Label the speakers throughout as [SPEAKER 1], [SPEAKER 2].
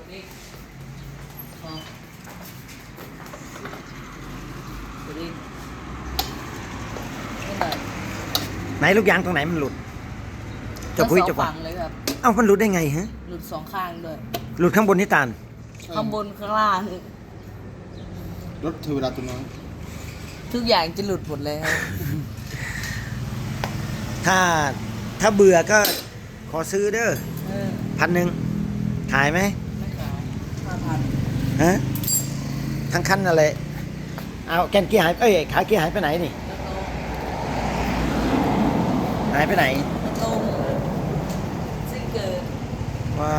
[SPEAKER 1] อีกพอกดอีกไม่ได้
[SPEAKER 2] ไหนลูกยางตรงไหนมันหลุดจะคุยจะ
[SPEAKER 1] ฟั
[SPEAKER 2] ฟัง
[SPEAKER 1] งเลยครับ
[SPEAKER 2] เอ้ามันหลุดได้ไงฮะ
[SPEAKER 1] หลุดสองข้างด้วย
[SPEAKER 2] หลุดข้างบนที่ตาล
[SPEAKER 1] ข้างบนข้างล่าง
[SPEAKER 3] รถเทวดาตัวน้อย
[SPEAKER 1] ทุกอย่างจะหลุดหมดเลยครับ
[SPEAKER 2] ถ้าเบื่อก็ขอซื้อเด้อ
[SPEAKER 1] เออ
[SPEAKER 2] 1,000ขายไหม
[SPEAKER 1] ไม่ขาย5,000
[SPEAKER 2] ฮะทั้งคันอะไรเอาแกนเกียร์หายขาเกียร์หายไปไหนนี่หายไปไหน
[SPEAKER 1] ตรงซิงเกิล
[SPEAKER 2] ว่า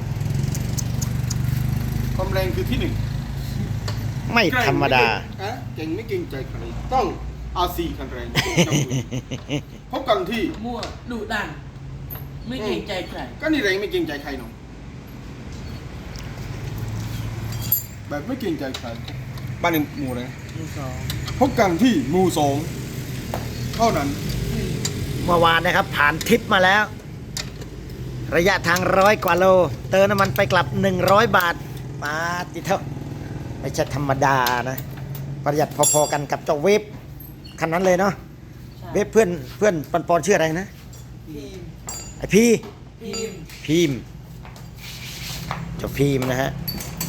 [SPEAKER 3] ความแรงคือที่หนึ่ง
[SPEAKER 2] ไม่ธรรมดา
[SPEAKER 3] เก่งไม่เก่งใจใครต้องอาซีคันแรงพบกันที่
[SPEAKER 1] มั่วดุดัน ไม่เกรงใจใคร
[SPEAKER 3] ก็นี่แรงไม่เก่งใจใครเนาะแบบไม่เก่งใจใครบ้านในหมู่เลย
[SPEAKER 1] มือสอง
[SPEAKER 3] พบกันที่หมู่สองเท่านั้น
[SPEAKER 2] เมื่อวานนะครับผ่านทริปมาแล้ว ระยะทาง100 กว่าโล เติมน้ำมันไปกลับ100 บาทมาจิเท่าไม่ใช่ธรรมดานะ ประหยัดพอๆกันกับเจ้าเวฟคันนั้นเลยเนาะ
[SPEAKER 1] ใช่
[SPEAKER 2] เวฟเพื่อนปอนชื่ออะไรนะ
[SPEAKER 1] พิมพ์
[SPEAKER 2] ไอพี่
[SPEAKER 1] พิมพ์
[SPEAKER 2] พิมพ์เจ้าพิมพ์นะฮะ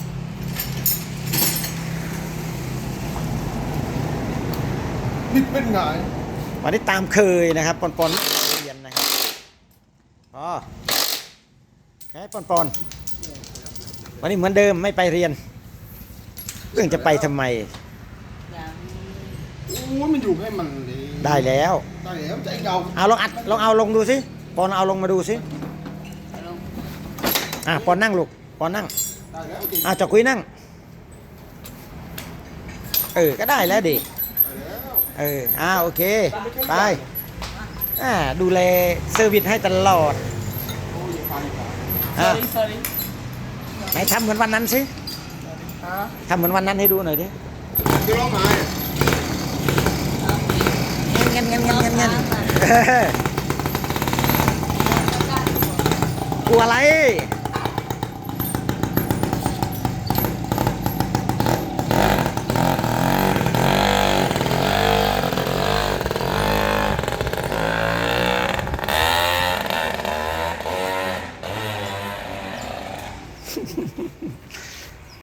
[SPEAKER 3] นิดเป็นไง
[SPEAKER 2] วันนี้ตามเคยนะครับปอนเรียนนะครับอ๋อแค่ปอนวันนี้เหมือนเดิมไม่ไปเรียนเรื่องจะไปทำไม
[SPEAKER 1] อย่าง
[SPEAKER 3] โอ้ยมันอยู่ให้มันเลย
[SPEAKER 2] ได้แล้ว
[SPEAKER 3] ได้แล้วใจเรา
[SPEAKER 2] เอาลองอัดลองเอาลงดูสิปอนเอาลงมาดูสิ
[SPEAKER 1] ลง
[SPEAKER 2] ปอนนั่งลูกปอนนั่ง
[SPEAKER 3] ได้แล้วจริง
[SPEAKER 2] จะคุยนั่งก็ได้แล้วดิ
[SPEAKER 3] ได้แล้ว
[SPEAKER 2] โอเคไปดูแลเซอร์วิสให้ตลอด
[SPEAKER 3] โอ้ยอย่าพาดีกว่า
[SPEAKER 1] sorry
[SPEAKER 2] ไหนทำเหมือนวันนั้นสิ
[SPEAKER 1] ฮะ
[SPEAKER 2] ทำเหมือนวันนั้นให้ดูหน่อยดิ
[SPEAKER 3] จะร้องไห้
[SPEAKER 2] เงี้ยกลัวอะไร